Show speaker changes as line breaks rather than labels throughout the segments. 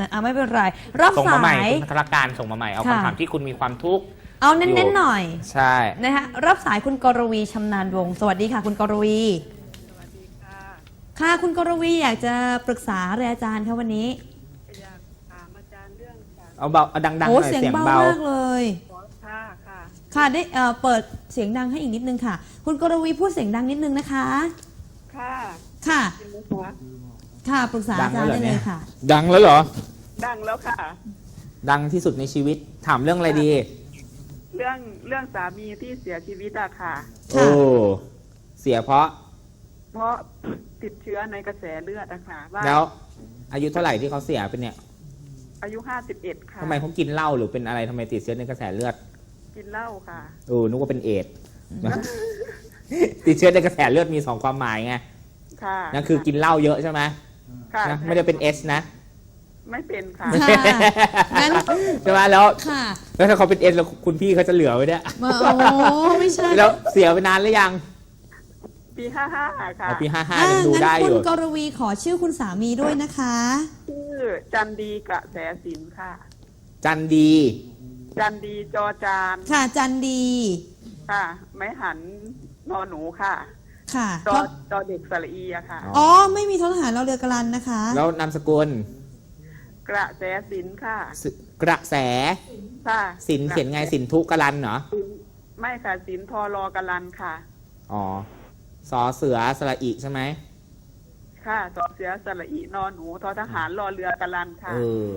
ไม่เป็นไรรับ
ส่งมา
สา
ใหม่
ย
คุณธารการส่งมาใหม่เอา
ค่ะ
คำถามที่คุณมีความทุกข์
เอาเน้นๆหน่อย
ใช่
นะคะรับสายคุณกรวีชำนาญวงศ์สวัสดีค่ะคุณกรวี
สวัสดีค่ะ
ค่ะคุณกรวีอยากจะปรึกษาอะไรอาจารย์คะวันนี้
อยากถามอาจารย์เรื่องการ
เอาเบาเอาดังๆห
โอ้
น่อย
เสียง
เสียง
เบา
เบาม
ากเลย
ขอค่าค่ะ
ค่ะได้เปิดเสียงดังให้อีกนิดนึงค่ะ คุณกรวีพูดเสียงดังนิดนึงนะคะ
ค่ะ
ค่ะ
จริงไหมคะ
ค่ะปรึกษาอาจารย์ได้เลยค่ะ
ดังแล้วเหรอ
ดังแล้วค่ะ
ดังที่สุดในชีวิตถามเรื่องอะไรดี
เรื่องสามีที่เสียชีวิตอะค่ะ
โอ้เสียเพราะ
เพราะติดเชื้อในกระแสเลือดอะค่ะว่า
แล้วอายุเท่าไหร่ที่เขาเสียเป็นเนี่ย
อายุ51ค่ะ
ทำไมเขากินเหล้าหรือเป็นอะไรทำไมติดเชื้อในกระแสเลือด
กินเหล้าค่ะ
นึกว่าเป็นเอดส์ ติดเชื้อในกระแสเลือดมีสองความหมายไง
ค่ะ
นั่นคือกินเหล้าเยอะใช่ไหม
ค่ะ
นะไม่ได้เป็นเอสนะ
ไม่เป็นค่ะ
ค่ะงั้น
ใช่ไหมแล้ว
ค่ะ
แล้วถ้าเขาเป็นเอสแล้วคุณพี่เขาจะเหลือไว้เนี่ย
โอ้ไม่ใช่
แล้วเสียไปนานหรือยัง
ปี55ค่ะ
อ๋อปี55ยังดูได้อ
คุ
ยู่
ณกรวีขอชื่อคุณสามีด้วยนะคะ
ชื่อจันดีกระแสสินค่ะ
จันดี
จันดีจอจาน
ค่ะจันดี
ค่ะ ไม้หันนอหนูค่ะ
ค่ะ
จอเด็กสระอีอะค่ะ
อ๋อไม่มีททหารเราเรือกรันนะคะ
แล้วนามสกุล
กระแสสินค่ะ
กระแส
ค่ะ
สินเขียนไงสินทุกรันเหรอ
ไม่ค่ะสินทอรอกะลันค่ะ
อ๋อสอเสือสระอิใช่ไหม
ค่ะสอเสือสระอีนอหนูทอทหารรอเรือกะลันค่ะ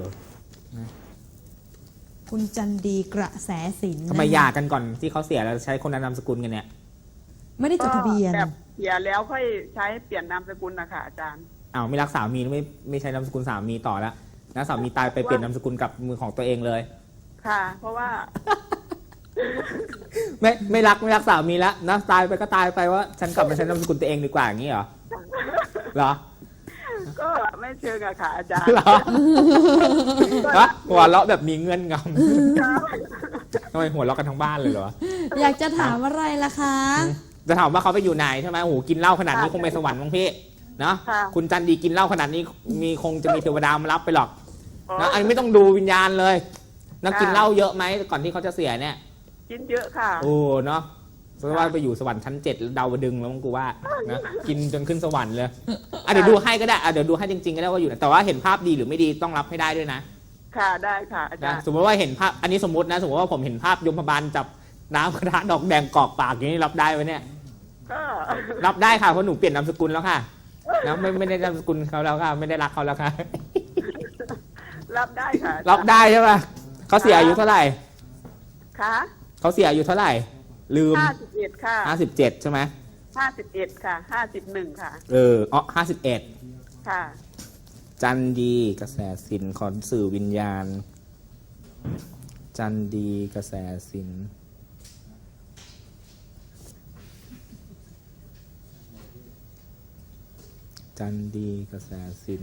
คุณจันดีกระแสสิน
ทำไมหย่ากันก่อนที่เขาเสียแล้วใช้คนละนามสกุลกันเนี่ย
ไม่ได้จดทะเบียน
แบบเสียแล้วค่อยใช้เปลี่ยนนามสกุลนะคะอาจารย์
อ้าวไม่รักสามีไม่ใช้นามสกุลสามีต่อแล้วนะสามีตายไปเปลี่ยนนามสกุลกับมือของตัวเองเลย
ค่ะ เพราะว่า
ไม่รักสามีแล้วนะตายไปก็ตายไปว่าฉันกลับมาใช้นามสกุลตัวเองดีกว่าอย่างนี้เหรอเหรอ
ก็ไม่เชิงอะค่ะอาจารย์
เหรอวะหัวเราะแบบมีเงื่อนงำทำไมหัวเราะกันทั้งบ้านเลยเหรอ
อยากจะถามอะไรล่ะคะ
จะถามว่าเขาไปอยู่ไหนใช่ไหมโอ้โหกินเหล้าขนาดนี้คงไปสวรรค์มั้งพี่เนาะคุณจันดีกินเหล้าขนาดนี้คงจะมีเทวดามารับไปหรอกนะอันนี้ไม่ต้องดูวิญญาณเลยนะกินเหล้าเยอะไหมก่อนที่เขาจะเสียเนี่ย
กินเยอะค่ะ
โอ้เนาะเพราะว่าไปอยู่สวรรค์ชั้น7แล้วดาวดึงแล้วมั้งกูว่านะกินจนขึ้นสวรรค์เลยเดี๋ยวดูให้ก็ได้เดี๋ยวดูให้จริงๆก็ได้ว่าอยู่ไหนแต่ว่าเห็นภาพดีหรือไม่ดีต้องรับให้ได้ด้วยนะ
ค่ะได้ค่ะอาจาร
นะ
ย์
สมมติว่าเห็นภาพอันนี้สมมตินะสมมติว่าผมเห็นภาพยมบาลจับน้ำกระทะดอกแดงกรอกปากอย่างนี้รับได้ไหมเนี่ย
ก็
รับได้ค่ะเพราะหนูเปลี่ยนนามสกุลแล้วค่ะนะไม่ได้นามสกุลเขาแล้วค่ะไม่ได้รักเขาแล้วค่ะ
รับได้ค่ะอาจาย์
รับได้ใช่ป่ะเขาเสียอายุเท่าไหร่
ค่ะ
เขาเสียอายุเท่าไหร่ลืม
51ค่ะ
57ใช่ไหม
51ค่ะ51ค่ะ
51
ค่ะ
จันดีกระแสสินขอสื่อวิญญาณ จันดีกระแสสินจันดีกระแสสิน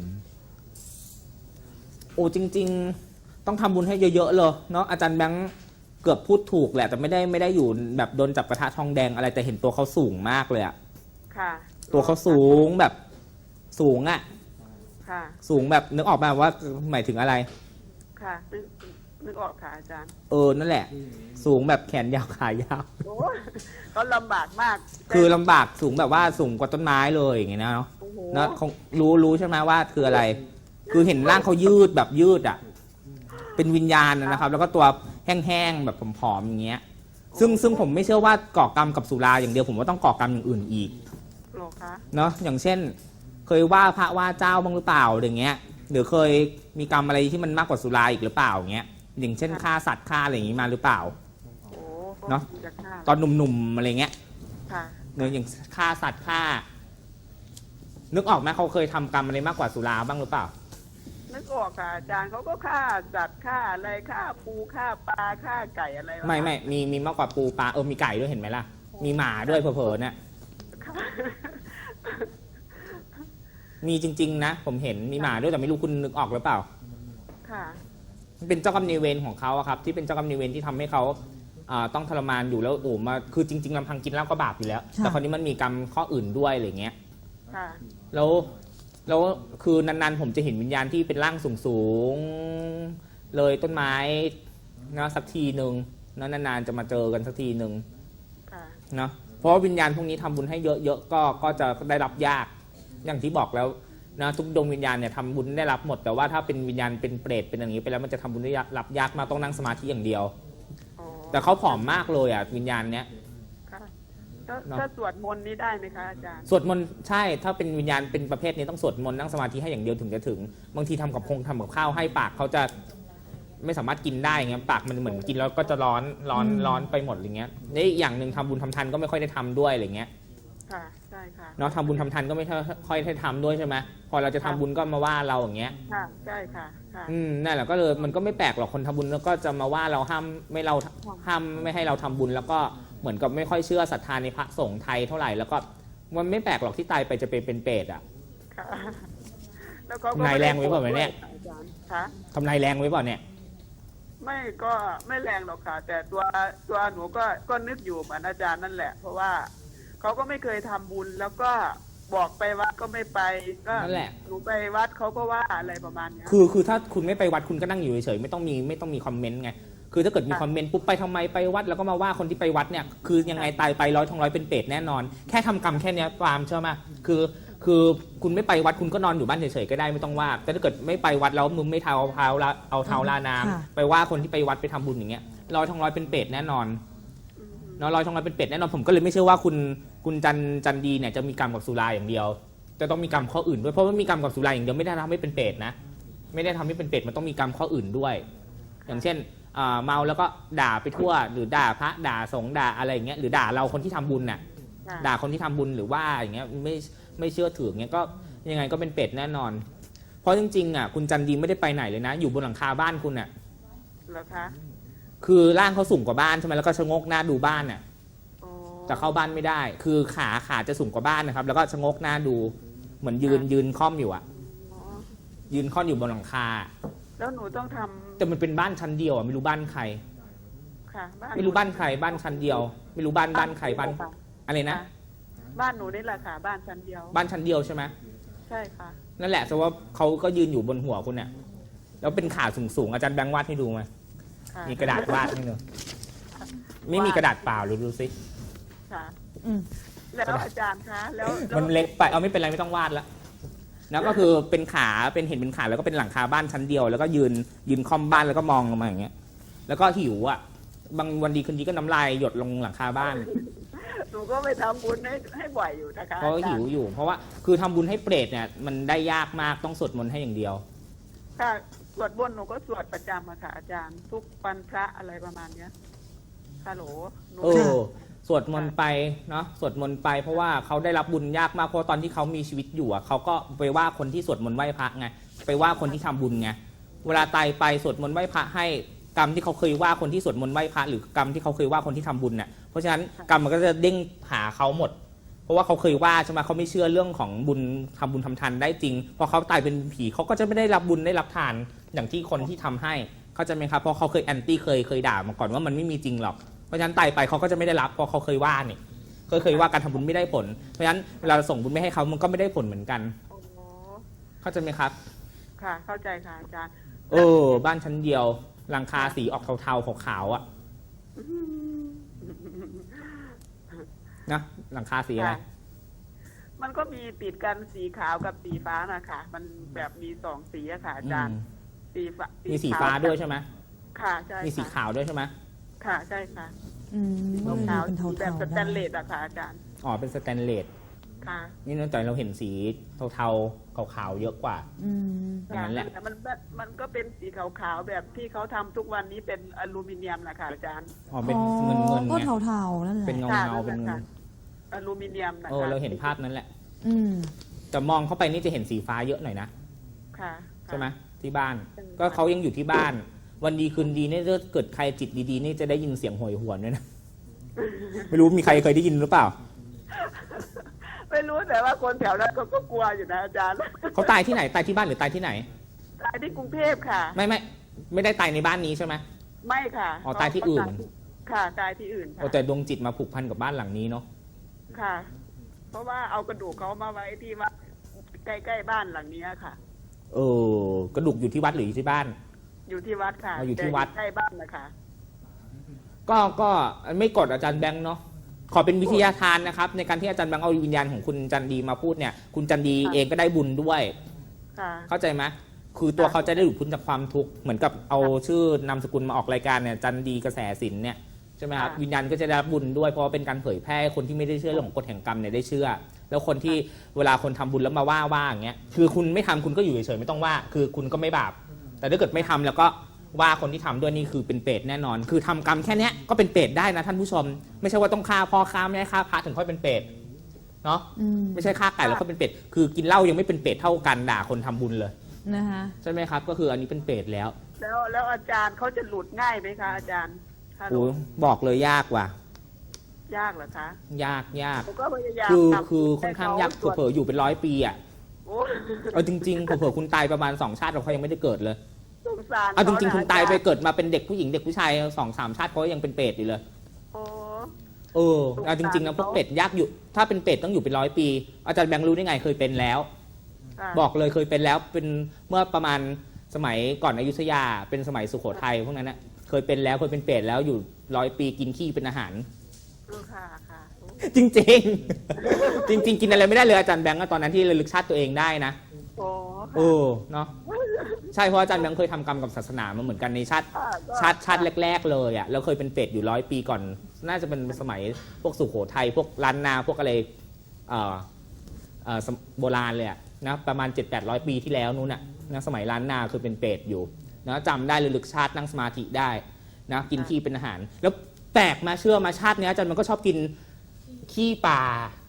โอ้จริงๆต้องทำบุญให้เยอะๆเลยเนาะอาจารย์แบงค์เกือบพูดถูกแหละแต่ไม่ได้อยู่แบบโดนจับกระทะทองแดงอะไรแต่เห็นตัวเขาสูงมากเลยอะ
ค่ะ
ตัวเขาสูงแบบสูงอะ
ค่ะ
สูงแบบนึกออกมาว่าหมายถึงอะไร
ค่ะนึกออกค่ะอาจารย์
นั่นแหละ สูงแบบแขนยาวขายาว
โอ้ก็ลำบากมาก
คือลำบากสูงแบบว่าสูงกว่าต้นไม้เลยอย่างเงี้ยเนาะ
โอ้โห
นะคงรู้ใช่ไหมว่าคืออะไร คือเห็นร่างเขายืดแบบยืดอ่ะเป็นวิญญาณนะครับ แล้วก็ตัวแห้งๆแบบผอมๆอย่างเงี้ยซึ่งผมไม่เชื่อว่าก่อกรรมกับสุราอย่างเดียวผมว่าต้องก่อกรรมอย่างอื่นอีก
หรอคะ
เนาะอย่างเช่น เคยว่าพระว่าเจ้าบ้างหรือเปล่าอย่างเงี้ยหรือเคยมีกรรมอะไรที่มันมากกว่าสุราอีกหรือเปล่าอย่างเงี้ยอย่างเช่นฆ่าสัตว์ฆ่าอะไรอย่างงี้มาหรือเปล่า
โอ้
เนอะ
จะฆ่า
ตอนหนุ่มๆอะไรเงี้ย
ค่ะ
เนื้ออย่างฆ่าสัตว์ฆ่า นึกออกไหมเขาเคยทำกรรมอะไรมากกว่าสุราบ้างหรือเปล่า
นึกออกค่ะอาจารย์เขาก็ฆ่าสัตว์ฆ่าอะไรฆ่าปูฆ่าปลาฆ่าไก่อะไรวะ
ไม่มีมากกว่าปูปลามีไก่ด้วยเห็นไหมล่ะ มีหมาด้วยเผลอๆเนี่ย
ค่ะ
มีจริงๆนะผมเห็นมีหมาด้วยแต่ไม่รู้คุณนึกออกหรือเปล่า
ค่ะ
มันเป็นเจ้ากรรมนายเวรของเขาอะครับ ที่เป็นเจ้ากรรมนายเวรที่ทำให้เขาต้องทรมานอยู่แล้วมาคือจริงๆลำพังกินเหล้าก็บาปอยู่แล้ว แต่คราวนี้มันมีกรรมข้ออื่นด้วยอะไรเงี้ย
ค่ะ
แล้วแล้วคือนานๆผมจะเห็นวิญญาณที่เป็นร่างสูงๆเลยต้นไม้นะสักทีหนึ่งนะนานๆจะมาเจอกันสักทีหนึ่ง
ค่ะ
เนาะเพราะว่าวิญญาณพวกนี้ทำบุญให้เยอะๆก็จะได้รับยากอย่างที่บอกแล้วนะทุกดวงวิญญาณเนี่ยทำบุญได้รับหมดแต่ว่าถ้าเป็นวิญญาณเป็นเปรตเป็นอย่างนี้ไปแล้วมันจะทำบุญได้รับยากมากต้องนั่งสมาธิอย่างเดียว
อ๋อ
แต่เขาผอมมากเลยอ่ะวิญญาณเนี้ย
ค่ะถ้า
เนอะ
ถ้าสวดมนต์นี้ได้ไหมคะอาจารย์
สวดมนต์ใช่ถ้าเป็นวิญญาณเป็นประเภทนี้ต้องสวดมนต์นั่งสมาธิให้อย่างเดียวถึงจะถึงบางทีทำกับข้าวให้ปากเขาจะไม่สามารถกินได้เงี้ยปากมันเหมือนกินแล้วก็จะร้อนไปหมดอย่างเงี้ยนี่อีกอย่างหนึ่งทำบุญทำทานก็ไม่ค่อยได้ทำด้วยอะไรเงี้ย
ค่ะใช่ค่ะ
เนาะทำบุญทำทานก็ไม่ค่อยได้ทำด้วยใช่ไหมพอเราจะทำบุญก็มาว่าเราอย่างเงี้ย
ค่ะใช่ค่ะค่ะ
นั่นแหละก็เลยมันก็ไม่แปลกหรอกคนทำบุญแล้วก็จะมาว่าเราห้ามไม่ให้เราทำบุญแล้วก็เหมือนกับไม่ค่อยเชื่อศรัทธาในพระสงฆ์ไทยเท่าไหร่แล้วก็มันไม่แปลกหรอกที่ตายไปจะเป็นเปรตอ่ะ
ค่ะแล้วก็
ทำนายแรงไว้เปล่าเนี่ย
อาจารย์คะ
ทำนายแรงไว้เปล่าเนี่ย
ไม่ก็ไม่แรงหรอกค่ะ แต่ตัวหนูก็นึกอยู่เหมือนอาจารย์นั่นแหละ เพราะว่าเขาก็ไม่เคยทำบุญแล้วก็บอกไปวัดก็ไม่ไปก็
นั่นแหละ
หนูไปวัดเขาก็ว่าอะไรประมาณเนี้ย
คือถ้าคุณไม่ไปวัดคุณก็นั่งอยู่เฉยๆไม่ต้องมีคอมเมนต์ไงคือถ้าเกิดมีคอมเมนต์ปุ๊บไปทำไมไปวัดแล้วก็มาว่าคนที่ไปวัดเนี่ยคือยังไงตายไป100 เป็นเปรตแน่นอนแค่ทำกรรมแค่เนี้ยปาล์มเชื่อไหมคือคุณไม่ไปวัดคุณก็นอนอยู่บ้านเฉยๆก็ได้ไม่ต้องว่าแต่ถ้าเกิดไม่ไปวัดแล้วมึงไม่เอาเท้าลาน้ำไปว่าคนที่ไปวัดไปทำบุญอย่างเงี้ย100 เป็นเปรตแน่นอนเนาะ100 เป็นเปรตแน่นอนผมก็เลยไม่เชื่อว่าคุณจันดีเนี่ยจะมีกรรมกับสุราอย่างเดียวจะต้องมีกรรมข้ออื่นด้วยเพราะว่ามีกรรมกับสุราอย่างเดียวไม่ได้ทำให้เป็นเปรตนะไม่ได้ทำให้เป็นเปรตมันต้องมีกรรมข้ออื่นด้วย อย่างเช่นเมาแล้วก็ด่าไปทั่วหรือด่าพระด่าสงฆ์ด่าอะไรอย่างเงี้ยหรือด่าเราคนที่ทำบุญน่ะ
ค่ะ
ด่าคนที่ทำบุญหรือว่าอย่างเงี้ยไม่เชื่อถืออย่างเงี้ยก็ยังไงก็เป็นเปรตแน่นอน เพราะจริงๆอ่ะคุณจันดีไม่ได้ไปไหนเลยนะ อยู่บนหลังคาบ้านคุณอ่ะ
เหรอคะ
คือร่างเขาสูงกว่าบ้านใช่ไหมแล้วก็ชะโงกหน้าดูบ้านอ่ะ
โอ้
แต่เข้าบ้านไม่ได้ คือขาจะสูงกว่าบ้านนะครับแล้วก็ชะโงกหน้าดูเหมือนยืนค่อมอยู่อ่ะ
อ๋อ
ยืนค่อมอยู่บนหลังคา
แล้วหนูต้องทำ
แต่มันเป็นบ้านชั้นเดียวอ่ะไม่รู้บ้านใคร
ค่ะ
ไม่รู้บ้านใครบ้านชั้นเดียว ไม่รู้บ้านใครบ้านอะไรนะ
ค่ะบ้านหนูนี่แหละค่ะ บ้านชั้นเดียว
บ้านชั้นเดียวใช่ไหม
ใช่ค่ะ
นั่นแหละแต่ว่าเขาก็ยืนอยู่บนหัวคุณเนี่ยแล้วเป็นขาสูงๆอาจารย์แบงค์วาดให้ดูไหม
ค่ะ
มีกระดาษวาดให้ดูไม่มีกระดาษเปล่าหรือดูสิ
ค่ะ
อืม
แล้วอาจารย์คะแล้ว
มันเล็กไปเอาไม่เป็นไรไม่ต้องวาดแล้วแล้วก็คือเป็นขาเห็นเป็นขาแล้วก็เป็นหลังคาบ้านชั้นเดียว แล้วก็ยืนคอมบ้านแล้วก็มองลงมาอย่างเงี้ยแล้วก็หิวอ่ะบางวันดีคืนดีก็น้ำลายหยดลงหลังคาบ้าน
หนูก็ไปทำบุญให้บ่อยอยู่นะคะ
เพราะหิวอยู่ เพราะว่าคือทำบุญให้เปรตเนี่ยมันได้ยากมากต้องสวดมนต์ให้อย่างเดียว
ค่ะสวดมนต์หนูก็สวดประจำอะค่ะอาจารย์ ทุกวันพระอะไรประมาณเนี้ยฮัลโหลหนู
สวดมนต์ไปเนาะสวดมนต์ไปเพราะว่าเขาได้รับบุญยากมากเพราะตอนที่เขามีชีวิตอยู่เขาก็ไปว่าคนที่สวดมนต์ไหว้พระไงไปว่าคนที่ทำบุญไงเวลาตายไปสวดมนต์ไหว้พระให้กรรมที่เขาเคยว่าคนที่สวดมนต์ไหว้พระหรือกรรมที่เขาเคยว่าคนที่ทำบุญเนี่ยเพราะฉะนั้นกรรมมันก็จะเด้งหาเขาหมด เพราะว่าเขาเคยว่าใช่ไหมเขาไม่เชื่อเรื่องของบุญทำบุญทำทานได้จริงพอเขาตายเป็นผีเขาก็จะไม่ได้รับบุญได้รับทานอย่างที่คนที่ทำให้เขาจะไหมครับเพราะเขาเคยแอนตี้เคยด่ามาก่อนว่ามันไม่มีจริงหรอกเพราะฉะนั้นตายไปเขาก็จะไม่ได้รับเพราะเขาเคยว่านี่เคยว่าการทำบุญไม่ได้ผลเพราะฉะนั้นเวลาเราส่งบุญไม่ให้เขามันก็ไม่ได้ผลเหมือนกัน
โอ้โห
เข้าใจไหมครับ
ค่ะ เข้าใจค่ะอาจารย์
บ้านชั้นเดียวหลังคาสีออกเทาๆขาวๆอ่ะนะหลังคาสีอะไร
ค่ะมันก็มีติดกันสีขาวกับสีฟ้านะคะมันแบบมีสองสีอะค่ะอาจารย์สีฟ้า
มีสีฟ้าด้วยใช่ไหม
ค่ะใช่
มีสีขาวด้วยใช่ไหม
ค่ะใช่ค่ะ
อืม
ขาว
เป็น
สี
เทา
แบบ
ๆ
สแตนเลสอะค่ะอาจารย์
อ๋อเป็นสแตนเลส
ค่ะ
นี่นอกจากเราเห็นสีเทาๆขาวๆเยอะกว่า
อืม
อย่างนั้นแหละ
แต่มันก็เป็นสีขาวๆแบบที่เขาทำทุกวันนี้เป็นอลูมิเนียมนะคะอาจารย์
อ๋อเป็นเงิน
ก็
ไง
เทาๆนั่นแหละ
เป็นเงา
ค่ะ
เป็นเงิ
ค่ะ
น
อลูมิเนียมนะคะ
เราเห็นภาพนั้นแหละ
อืม
แต่มองเข้าไปนี่จะเห็นสีฟ้าเยอะหน่อยนะ
ค่ะ
ใช่ไหมที่บ้าน
ใช่
ก็เขายังอยู่ที่บ้าน วันดีคืนดีเนี่ยถ้าเกิดใครจิตดีๆนี่จะได้ยินเสียงโหยหวนด้วยนะ ไม่รู้มีใครเคยได้ยินหรือเปล่า
ไม่รู้แต่ว่าคนแถวนั้นก็กลัวอยู่นะอาจารย์
เขาตายที่ไหนตายที่บ้านหรือตายที่ไหน
ตายที่กรุงเทพค่ะ
ไม่ได้ตายในบ้านนี้ใช่ไหม
ไม่ค่ะ
อ๋อตายที่อื่น
ค่ะตายที่อื่น
โอ้
ค่ะ
แต่ดวงจิตมาผูกพันกับบ้านหลังนี้เนาะ
ค่ะ เพราะว่าเอากระดูกเขามาไว้ที่วัดใกล้ๆบ้านหลังนี้ค่ะ
กระดูกอยู่ที่วัดหรืออยู่ที่บ้าน
อยู่ที่วัดค่ะ
อยู่ที่วัด
ใกล้บ้านนะคะ
ก็ไม่กดอาจารย์แบงค์เนาะขอเป็นวิทยาทานนะครับในการที่อาจารย์แบงค์เอาวิญญาณของคุณจันดีมาพูดเนี่ยคุณจันดีเองก็ได้บุญด้วย
ค่ะ
เข้าใจไหมคือตัวเขาจะได้หลุดพ้นจากความทุกข์เหมือนกับเอาชื่อนามสกุลมาออกรายการเนี่ยจันดีกระแสสินเนี่ยใช่ไหมครับวิญญาณก็จะได้รับบุญด้วยเพราะว่าเป็นการเผยแพร่ให้คนที่ไม่ได้เชื่อเรื่องของกฎแห่งกรรมเนี่ยได้เชื่อ แล้วคนที่เวลาคนทำบุญแล้วมาว่าอย่างเงี้ยคือคุณไม่ทำคุณก็อยู่เฉยๆไม่ต้องว่าคือคุณก็ไม่บาปแต่ถ้าเกิดไม่ทำแล้วก็ว่าคนที่ทำด้วยนี่คือเป็นเปรตแน่นอน คือทำกรรมแค่เนี้ยก็เป็นเปรตได้นะท่านผู้ชมไม่ใช่ว่าต้องฆ่าพ่อฆ่าแม่ฆ่าพระถึงค่อยเป็นเปรตเนาะไม่ใช่ฆ่าไก่แล้วก็เป็นเปรตคือกินเหล้ายังไม่เป็นเปรตเท่ากันด่าคนทำบุญเลย
นะคะ
ใช่ไหมครับก็คืออันนี้เป็นเปรตแล้ว
แล้วอาจารย์เขาจะหลุดง่ายไหมคะอาจารย์ถ้าหลุ
โอ้
ด
บอกเลยยากว่ะ
ยากเหรอคะ
ยาก
ผมก็พยายาม
คือค่อนข้างยากเผลอๆอยู่เป็น100 ปีอ่ะ
โอ้
เอาจริงๆเผลอๆคุณตายประมาณ2 ชาติเขายังไม่ได้เกิดเลย
สงสาร
เอาจริงๆ
ข
คุณ
นะ
ตายไป
อจร
เกิดมาเป็นเด็กผู้หญิงเด็กผู้ชาย2-3 ชาติเขายังเป็นเปรตอยู่เลย
โอ้
เอาจริงๆนะพวกเปรตยากอยู่ถ้าเป็นเปรตต้องอยู่เป็น100 ปีอาจารย์แบงค์รู้ได้ไงเคยเป็นแล้ว
ค่ะ
บอกเลยเคยเป็นแล้วเป็นเมื่อประมาณสมัยก่อนอยุธยาเป็นสมัยสุโขทัยพวกนั้นนะเคยเป็นแล้วเคยเป็นเปรตแล้วอยู่100 ปีกินขี้เป็นอาหาร
ค่ะค่ะโอ้
จริงๆ จริง ๆ กินอะไรไม่ได้เลยอาจารย์แบงค์ตอนนั้นที่ระลึกชาติตัวเองได้นะ
โอ้
เนาะใช่เพราะอาจารย์แบงค์เคยทำกรรมกับศาสนามาเหมือนกันในชาติแรกๆเลยอ่ะแล้วเคยเป็นเปรตอยู่100 ปีก่อนน่าจะเป็นสมัยพวกสุโขทัยพวกล้านนาพวกอะไรโบราณเลยอะนะประมาณ 700-800 ปีที่แล้วนู้นน่ะนะสมัยล้านนาคือเป็นเปรตอยู่นะจำได้ระลึกชาตินั่งสมาธิได้นะกินขี้เป็นอาหาร แล้วแปลกมาเชื่อมาชาตินี้อาจารย์มันก็ชอบกินขี้ปลา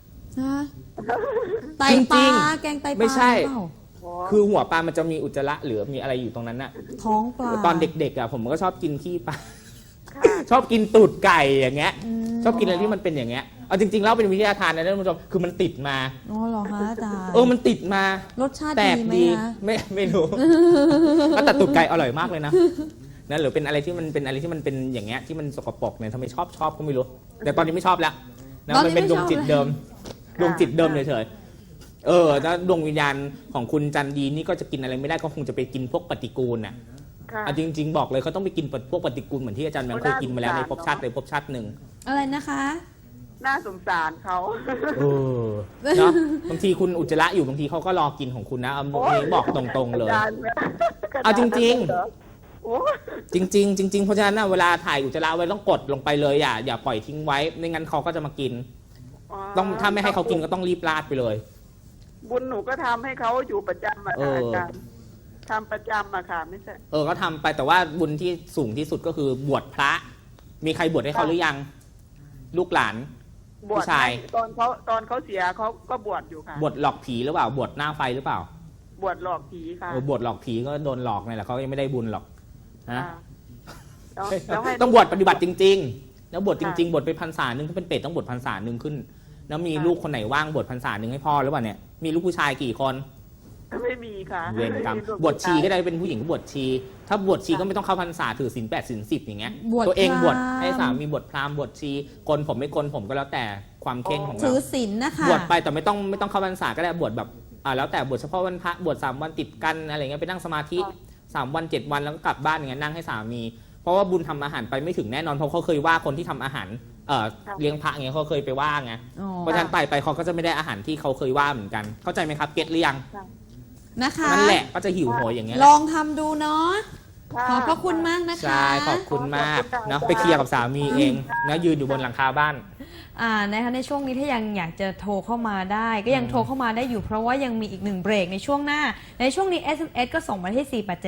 ไตปลาแกงไตปลา
ไม่ใช่
เปล่า
คือหัวปลามันจะมีอุจจาระหรือมีอะไรอยู่ตรงนั้นน่ะ
ท้องปลา
ตอนเด็กๆอ่ะผมก็ชอบกินขี้ปลาชอบกินตูดไก่อย่างเงี้ยชอบกินอะไรที่มันเป็นอย่างเงี้ยเอาจริงๆแล้วเป็นวิทยาทานนะท่านผู้ชมคือมันติดมา
อ๋อเหรอคะอาจารย์
มันติดมาร
สชาติ
แปลก
ดีไหม
ดี
คะ
ไม่รู้ ก็แต่ตูดไก่อร่อยมากเลยนะนะหรือเป็นอะไรที่มันเป็นอะไรที่มันเป็นอย่างเงี้ยที่มันสกปรกเนี่ยทำไมชอบก็ไม่รู้แต่ตอนนี้ไม่ชอบแล้วนะมันเป็นดวงจิตเดิมดวงจิตเดิมเฉยๆแล้วดวงวิญญาณของคุณจันดีนี่ก็จะกินอะไรไม่ได้ก็คงจะไปกินพวกปฏิกูลน่ะ
ค่ะ
จริงๆบอกเลยเขาต้องไปกินพวกปฏิกูลเหมือนที่อาจารย์แบงค์เคยกินมาแล้วในภพชาติใดภพชาติหนึ่ง
อะไรนะคะ
น่าสงสารเขา
เนาะบางทีคุณอุจจาระอยู่บางทีเขาก็รอกินของคุณนะเอาบอกตรงๆเลย
อาจารย์
เอาจริง
โอ้
จริงๆเพราะฉะนั้นนะเวลาถ่ายอุจจาระไว้ต้องกดลงไปเลยอย่าปล่อยทิ้งไว้ไม่งั้นเขาก็จะมากินต้องถ้าไม่ให้เขากินก็ต้องรีบราดไปเลย
บุญหนูก็ทำให้เขาอยู่ประจำอะค่ะอาจารย์ทำประจำอะค่ะไม่ใช่
ก็ทำไปแต่ว่าบุญที่สูงที่สุดก็คือบวชพระ มีใครบวชให้เขาหรือยังลูกหลาน
บวช
ผู้ชาย
ตอนเขาเสียเขาก็บวชอยู่ค่ะ
บวชหลอกผีหรือเปล่าบวชหน้าไฟหรือเปล่า
บวชหลอกผีค่ะ
บวชหลอกผีก็โดนหลอกนี่แหละเขายังไม่ได้บุญหรอกนะ
แล้วให้
ต้องบวชปฏิบัติจริงๆแล้วบวชจริงๆบวชไปพรรษาหนึ่งถ้าเป็นเปรตต้องบวชพรรษาหนึ่งขึ้น แล้วมีลูกคนไหนว่างบวชพรรษาหนึ่งให้พ่อหรือเปล่าเนี่ยมีลูกผู้ชายกี่คน
ไม่มีค่ะ
เวรกรรมบวชชีก็ได้เป็นผู้หญิงก็บวชชี ถ้าบวชชีก็ไม่ต้องเข้าพรรษาถือศีล 8 ศีล 10อย่างเงี้ยตัวเองบวชให้สามีบวชพราหมณ์บวชชีกลผมไม่กลผมก็แล้วแต่ความเข่งของ
ถื
เรา
อศีลนะคะ
บวชไปแต่ไม่ต้องเข้าพรรษาก็ได้บวชแบบแล้วแต่บวชเฉพาะวันพระบวช3 วันติดกันอะไรเงี้ยไปนั่งสมาธิ3 วัน7 วันแล้วก็กลับบ้านอย่างเงี้ยนั่งให้สามีเพราะว่าบุญทำอาหารไปไม่ถึงแน่นอนเพราะเขาเคยว่าคนที่ทำอาหารเลี้ยงพระอย่างเงี้ยเขาเคยไปว่าไงเพราะฉะนั้นไปเขาก็จะไม่ได้อาหารที่เขาเคยว่าเหมือนกันเข้าใจไหมครับเก็ตหรือยัง
นะคะ
นั่นแหละก็จะหิวโหยอย่างเงี้ย
ลองทำดูเนาะขอบพระคุณมากนะคะ
ใช่ขอบคุณมากเนาะไปเคลียร์กับสามีเองนะยืนอยู่บนหลังคาบ้าน
นะคะในช่วงนี้ถ้ายังอยากจะโทรเข้ามาได้ ก็ยังโทรเข้ามาได้อยู่เพราะว่ายังมีอีก1เบรกในช่วงหน้าในช่วงนี้ SMS ก็ส่งมาที่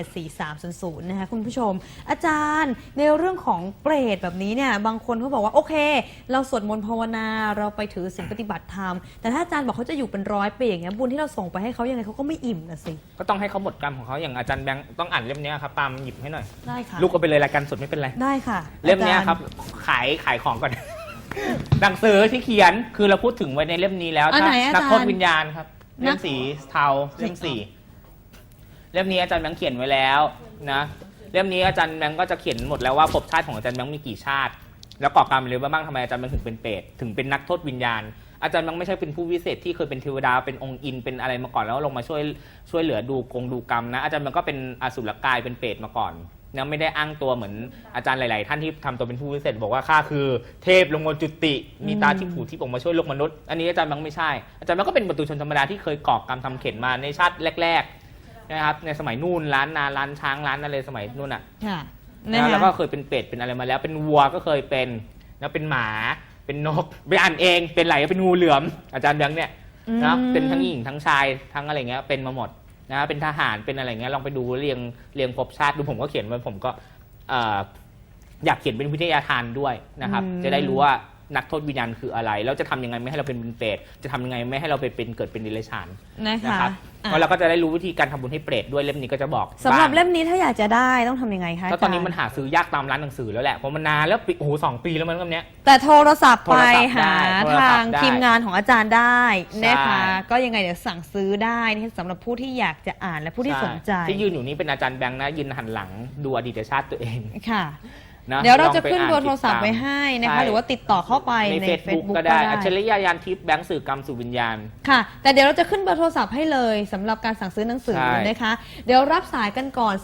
4874300 นะคะคุณผู้ชมอาจารย์ในเรื่องของเปรตแบบนี้เนี่ยบางคนเขาบอกว่าโอเค เราสวดมนต์ภาวนาเราไปถือศีลปฏิบัติธรรมแต่ถ้าอาจารย์บอกเขาจะอยู่เป็น100 ปีอย่างเงี้ยบุญที่เราส่งไปให้เขายังไงเขาก็ไม่อิ่มนะสิ
ก็ต้องให้เขาหมดกรรมของเขาอย่างอาจารย์แบงค์ต้องอ่านเล่มนี้ครับปาล์มหยิบให้หน่อย
ได้ค่ะ
ลูกก็ไปเลยรายการสดไม่เป็นไร
ได้ค่ะ
เล่มนี้
อาจาย์
ครับขายของก่อน หนังสือที่เขียนคือเราพูดถึงไว้ในเล่มนี้แล้ว
อันไหนอาจารย์
นักโทษวิญญาณครับเล่มสีเทาเล่ม4เล่มนี้อาจารย์แบงค์เขียนไว้แล้วนะเล่มนี้อาจารย์แบงค์ก็จะเขียนหมดแล้วว่าภพชาติของอาจารย์แบงค์มีกี่ชาติ แล้วก่อกรรมอะไรบ้างทำไมอาจารย์แบงค์ถึงเป็นเปรตถึงเป็นนักโทษวิญญาณอาจารย์ยังไม่ใช่เป็นผู้วิเศษที่เคยเป็นเทวดาเป็นองค์อินเป็นอะไรมาก่อนแล้วลงมาช่วยเหลือดูกรรมนะอาจารย์มันก็เป็นอสุรกายเป็นเปรตมาก่อนนะไม่ได้อ้างตัวเหมือนอาจารย์หลายๆท่านที่ทำตัวเป็นผู้วิเศษบอกว่าข้าคือเทพลงมาจุติมีตาที่ผูที่ออกมาช่วยโลกมนุษย์อันนี้อาจารย์มันไม่ใช่อาจารย์มันก็เป็นปุถุชนธรรมดาที่เคยก่อกรรมทำเข็นมาในชาติแรกๆนะครับในสมัยนู่นร้านนาร้านช้างร้านอะไรสมัยนู่นอ่ะ
ค่ะ
นะแล้วก็เคยเป็นเป็ดเป็นอะไรมาแล้วเป็นวัวก็เคยเป็นแล้วเป็นหมาเป็นนกไปอ่านเองเป็นไหลเป็นงูเหลือมอาจารย์แบงค์เนี่ยนะเป็นทั้งหญิงทั้งชายทั้งอะไรเงี้ยเป็นมาหมดนะเป็นทหารเป็นอะไรเงี้ยลองไปดูเรียงภพชาติดูผมก็เขียนไว้ผมก็อยากเขียนเป็นวิทยาทานด้วยนะครับจะได้รู้ว่านักโทษวิญญาณคืออะไรแล้วจะทำยังไงไม่ให้เราเป็นเปรตจะทำยังไงไม่ให้เราไปเป็นเกิดเป็นเดรัจฉาน
นะคะ
ครับแล้วเราก็จะได้รู้วิธีการทำบุญให้เปรตด้วยเล่มนี้ก็จะบอก
สำหรับ
บ้าง
เล่มนี้ถ้าอยากจะได้ต้องทำยังไงคะ
แล้วตอนนี้มันหาซื้อยากตามร้านหนังสือแล้วแหละเพราะมันนานแล้วโอ้โห2 ปีแล้วมันก็เนี้ย
แต่โทรศัพท์ไปหา
โทรศัพท์ได้
ทางทีมงานของอาจารย์ได้นะคะ
ใช่
ก็ยังไงเดี๋ยวสั่งซื้อได้นี่สำหรับผู้ที่อยากจะอ่านและผู้ที่สนใจ
ที่ยืนอยู่นี้เป็นอาจารย์แบงค์นะยืนหันหลังดูอดีตชาติตัวเอง
ค่ะ
นะ
เดี๋ยวเราจะ
ลองไป
ขึ้นเบอร์
อ่าน
โทรศัพท์
ติดตาม
ไว้ให้นะคะ
ใช่
หรือว่าติดต่อเข้าไป
ใน
ใน
Facebook
Facebook
ก็ได้อัจฉริยะยานทิพย์แบงค์สื่อกรรมสู่วิญญาณ
ค่ะ แต่เดี๋ยวเราจะขึ้นเบอร์โทรศัพท์ให้เลยสำหรับการสั่งซื้อหนังสือ
ใช่
นะคะ เดี๋ยวรับสายกันก่อน